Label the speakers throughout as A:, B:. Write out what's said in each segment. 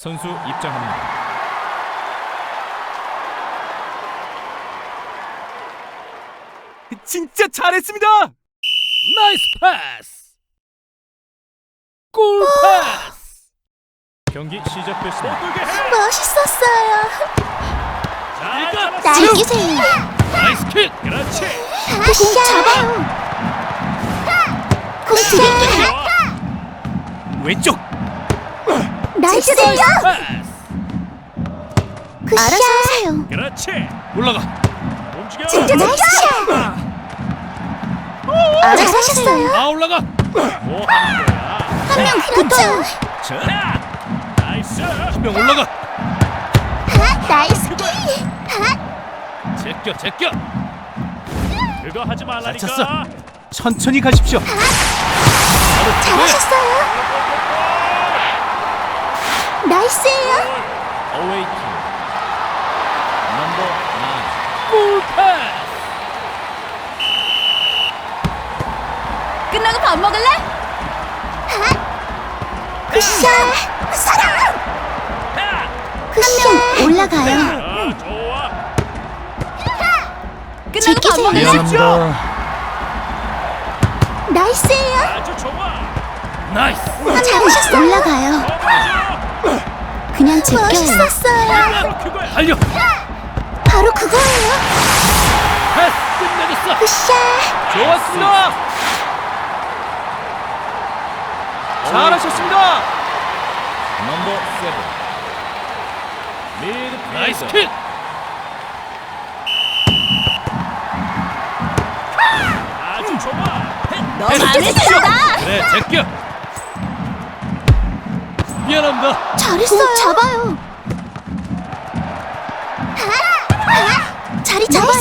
A: 선수 입장합니다.
B: 진짜 잘했습니다.
A: 나이스 패스! 골 패스! 경기 시작됐습니다.
C: 멋있었어요.
A: 자,
C: 즐기세요.
A: 나이스 킥! 그렇지!
C: 공 잡아요. 공 드릴게요.
B: 왼쪽.
C: 나이스요.
A: 패스!
C: 알아서 하세요.
A: 그렇지! 올라가! 움직여!
C: 나이스 샷. 알아서 하셨어요.
A: 다 올라가! 뭐 하는 거야?
C: 한 명 붙어요.
A: 자! 나이스! 한 명 올라가!
C: 나이스 킥.
A: 제껴! 그거 하지 말라니까!
B: 다쳤어. 천천히 가십시오.
C: 잘하셨어요. 나이스예요.
A: 어웨이 킥 넘버 9 골 패스!
C: 끝나고 밥 먹을래? 굿샷. 사랑. 굿샷. 올라가요.
A: 좋아!
C: 끝나고 밥 먹을래?
B: 미안합니다.
C: 나이스예요.
A: 아주 좋아! 나이스!
C: 잘하셨어요. 올라가요. 그냥 제껴요. 멋있었어요.
A: 바로 그거야! 달려!
C: 바로 그거예요.
A: 패스! 끝내줬어!
C: 굿샷.
B: 좋았습니다. 잘하셨습니다.
A: 넘버 7 미드 나이스 킥! 아주 좋아!
C: 너 마음에 든다.
A: 그래 제껴! 미안합니다.
C: 잘했어요. 잡아요. 자리 잡아요.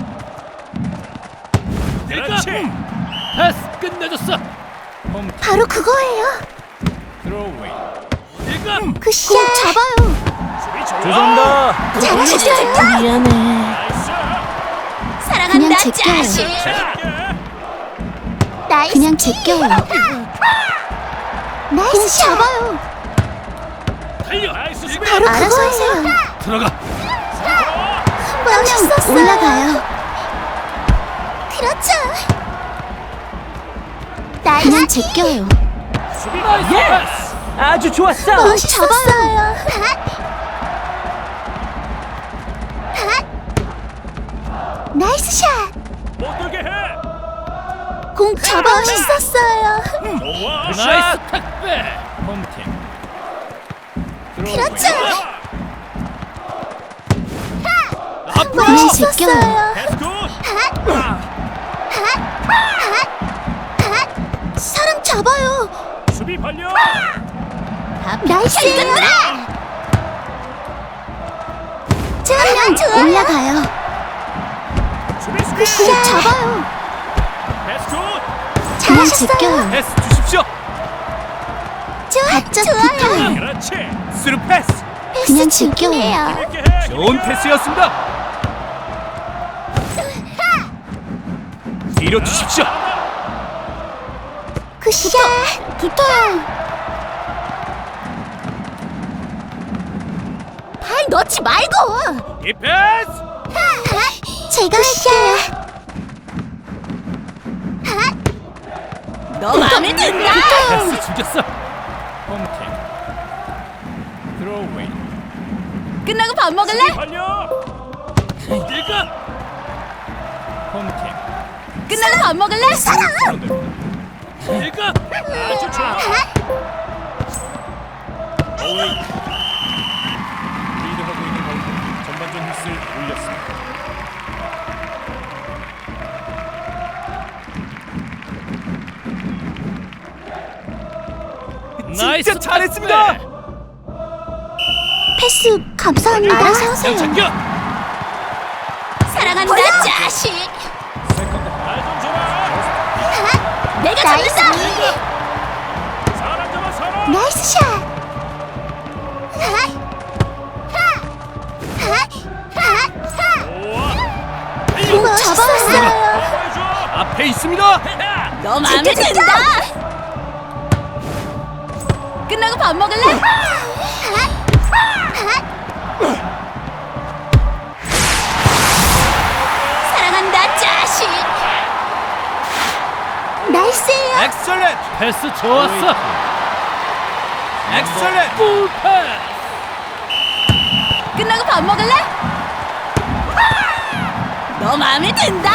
A: 그렇지! 패스 끝내줬어! 홈
C: 바로 그거예요.
A: 드로우웨이 이거!
C: 굿샷. 잡아요.
A: 수비 좋아!
B: 죄송합니다.
C: 잘하셨어요. 미안해.
A: 나이스!
C: 사랑한다. 자식.
A: 잘할게!
C: 나이스. 그냥 제껴요. 나이스. 잡아요.
A: 달려! 나이스 수비!
C: 바로 알아서 하세요.
A: 들어가!
C: 멋있었어요. 올라가요. 그렇죠. 그냥 제껴요.
A: 수비 나이스 패스!
B: 아주 좋았어.
C: 멋있었어요. 나이스 샷.
A: 못 들게 해!
C: 공 잡아. 멋있었어요.
A: 좋아! 나이스 택배! 홈팀
C: 그렇죠.
A: 앞으로!
C: 멋있었어요.
A: 패스 굿!
C: 사람 잡아요.
A: 수비 발려!
C: 나이스예요. 자, 올라가요.
A: 수비
C: 공
A: 스쿨!
C: 잡아요.
A: 패스 굿!
C: 그냥 제껴요.
B: 패스 주십시오.
C: 바짝 붙어요.
A: 그렇지!
B: 스루 패스.
C: 그냥 제껴요.
A: 재밌게 해!
B: 좋은 패스였습니다. 뒤로 주십시오.
C: 굿샷. 붙어요. 발 넣지 말고.
B: 이 패스.
C: 제가 할게요. 너 마음에 든다.
A: 패스 죽였어! 홈팀 드로우웨이
C: 끝나고 밥 먹을래?
A: 발려! 이거! 홈팀
C: 끝나고 밥 먹을래? 사랑.
A: 이거! 아주 좋아! 어웨이 리드하고 있는 가운데 전반전 휘슬 올렸습니다.
B: 진짜 잘했습니다.
C: 패스 감사합니다. 알아서 하세요.
A: 제껴!
C: 사랑한다. 자식.
A: 세컨드 발좀 줘라!
C: 내가 잡는다.
A: 사람 잡아 사람!
C: 나이스 샷.
A: 좋아!
C: 공 잡았어요.
A: 보여줘!
B: 앞에 있습니다.
C: 너 마음에 든다. 끝나고 밥 먹을래?
B: 엑셀렌트.
D: 패스 좋았어.
B: 엑셀렌트.
D: 꿀 패스.
C: 끝나고 밥 먹을래? 너 마음에 든다.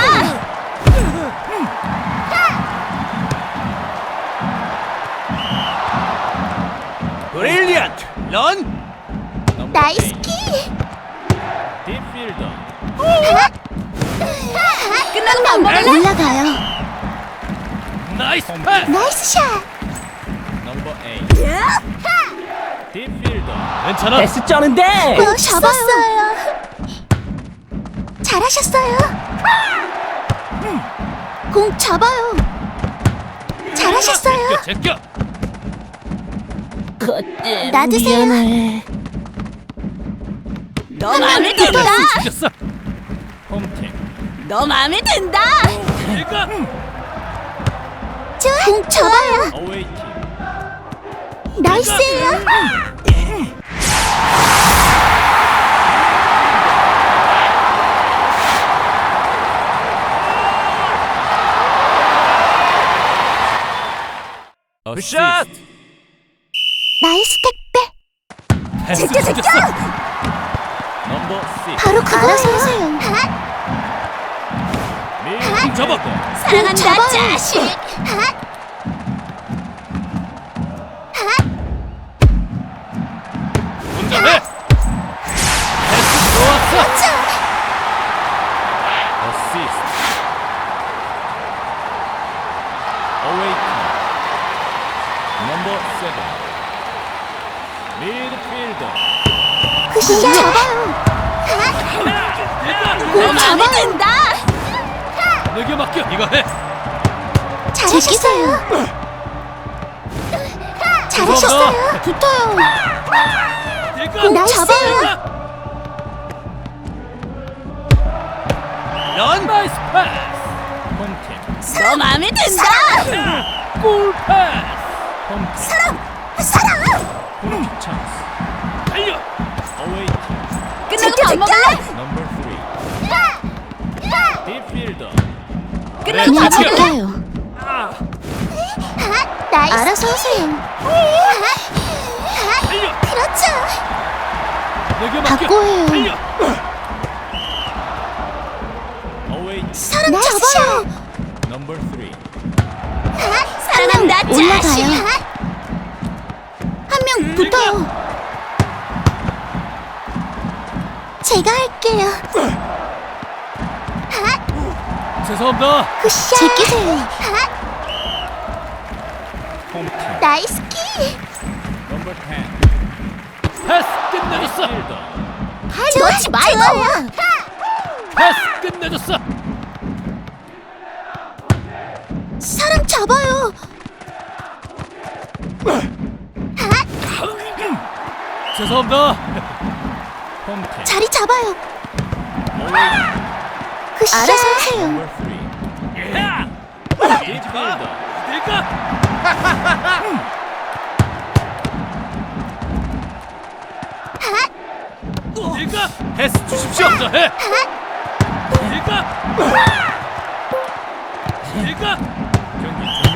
B: 브릴리언트. 런.
C: 나이스 키.
A: 딥필더.
C: 끝나고 밥 먹을래? 올라가요.
D: 나이스 패스.
C: 나이스 샷.
A: 넘버 8. 딥필더.
D: 괜찮아.
B: 패스 쩌는데.
C: 공 잡았어요. 잘하셨어요. 공 잡아요. 잘하셨어요.
D: 제껴.
C: 놔두세요. 너 마음에 든다.
D: 죽였어.
A: 홈팀.
C: 너 마음에 든다.
D: 내가
C: 좋아. 공 잡아요.
A: 어웨이팀.
C: 나이스예요.
B: 굿샷.
C: 나이스 택배.
D: 패스
C: 제껴.
A: 넘버 6.
C: 바로 그거예요.
A: 밀.
D: 잡아.
C: 사랑한다 자식.
D: 혼자 해. 패스 좋았어.
A: 어시스트. 어웨이팀. 넘버 7. 미드필더.
C: 굿샷. 잡아요. 공 마음에 든다.
D: 내게 맡겨. 이거 해.
C: 잘하셨어요. 잘하셨어요. 붙어요.
D: 내가
C: 나이스예요.
D: 런 나이스 패스.
A: 홈팀.
C: 너 마음에 든다.
D: 꿀 패스.
A: 홈팀.
C: 사랑.
A: 홈팀 찬스.
D: 달려.
A: 어웨이팀.
C: 끝나고 밥 먹을래?
A: 넘버 3. 딥필더.
C: 끝나고 밥
D: 제껴.
C: 먹을래요? 나이스. 알아서 하세요.
D: 달려.
C: 그렇죠.
D: 내게 맡겨.
C: 바꿔요.
D: 달려.
A: 어웨이팀.
C: 사람 잡아요.
A: 넘버 3.
C: 사랑한다 자식. 한 명 붙어요. 제가 할게요.
D: 죄송합니다.
C: 굿샷. 제끼세요.
A: 홈팀.
C: 나이스 키.
A: 넘버 10.
D: 패스 끝내줬어.
A: 필더.
C: 놓지 말고.
D: 패스 끝내줬어.
C: 사람 잡아요.
D: 죄송합니다.
A: 홈팀.
C: 자리 잡아요.
A: 어웨이팀.
C: 굿샷. 알아서 하세요.
A: 넘버 3.
D: 야!
A: 딥필더.
D: 내가 내가
B: 패스 주십시오.
D: 혼자 해. 내가
A: 경기 중.